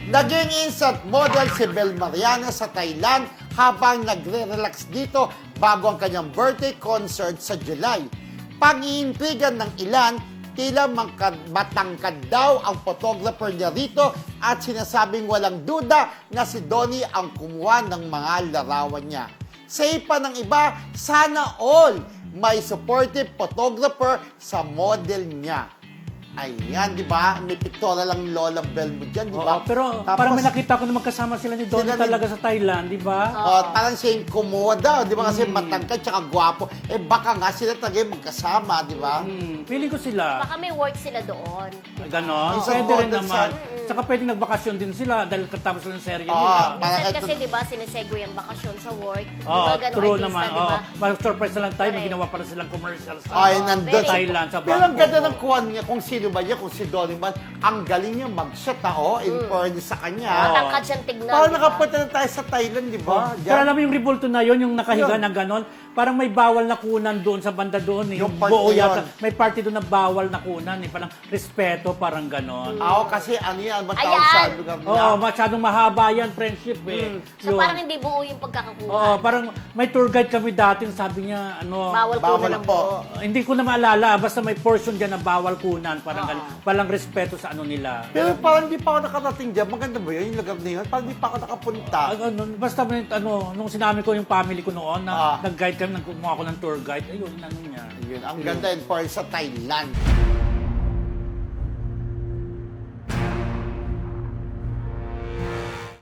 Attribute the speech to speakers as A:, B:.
A: Naging instant model si Bel Mariana sa Thailand habang nagre-relax dito bago ang kanyang birthday concert sa July. Pag-iintrigan ng ilan, tila matangkad daw ang photographer niya rito at sinasabing walang duda na si Donnie ang kumuha ng mga larawan niya. Sa ipa ng iba, sana all may supportive photographer sa model niya. Ayan, di ba? May pictorial lang Lola Bell mo dyan, di ba?
B: Pero
A: Tapos,
B: parang may nakita ko na magkasama sila ni Donnie talaga sa Thailand, di ba?
A: parang siya yung kumuha daw, di ba? Kasi matangkad tsaka gwapo. Eh baka nga sila talaga yung magkasama, di ba?
B: Feeling ko sila.
C: Baka may work sila doon.
B: Ganon.
A: Oo.
B: Pwede rin
A: Oo,
B: naman.
A: sa-
B: Tsaka pwedeng nagbakasyon din sila dahil katapos lang ng serye
A: Oo.
B: nila.
A: Parang
C: Minsan
A: ito-
C: kasi, di ba, sinesegue ang bakasyon sa work.
B: Oo,
C: Diba, ganun
B: true
C: artista,
B: naman.
C: di ba?
B: Mag-surprise na lang tayo, may
C: Correct.
B: ginawa para silang commercial sa
A: Ay, nandun.
C: very-
B: Thailand, sa
A: Pero ang
B: Bangkok.
A: ganda ng kuhan niya, kung sino ba niya, kung si Donnie man, ang galing niya mag-shot, in fairness sa kanya.
C: Matangkad siyang tignan,
A: Parang
C: di ba?
A: nakapunta na tayo sa Thailand, di ba?
B: Pero alam mo yung ribulto na yon, yung nakahiga
A: Yun.
B: na ganon, parang may bawal na kunan doon sa banda doon.
A: Yung
B: Yung
A: part
B: buo
A: na
B: yata.
A: yun.
B: May party doon na bawal na kunan. Parang respeto, parang ganon.
A: Oo, kasi ano yan, matawag
C: Ayan.
A: sa lugar niya.
B: Oo, masyadong mahaba yan, friendship eh.
C: So
B: Yun.
C: parang hindi buo yung pagkakakuha.
B: Oo, parang may tour guide kami dati, sabi niya, ano,
C: Bawal
A: Bawal
C: kunan ng
A: po.
C: buo.
B: hindi ko na maalala, basta may portion dyan na bawal kunan, parang ganon. Walang respeto sa ano nila.
A: Pero parang di pa ako nakarating dyan. Maganda ba yun, yung lugar na yun? Parang di pa ako nakapunta.
B: Basta nung sinabi ko yung family ko noon, na
A: Ah.
B: nag-guide kami, nagkumuha ako ng tour guide, ayun, ano niya.
A: Yun, ang ganda in fairness sa Thailand.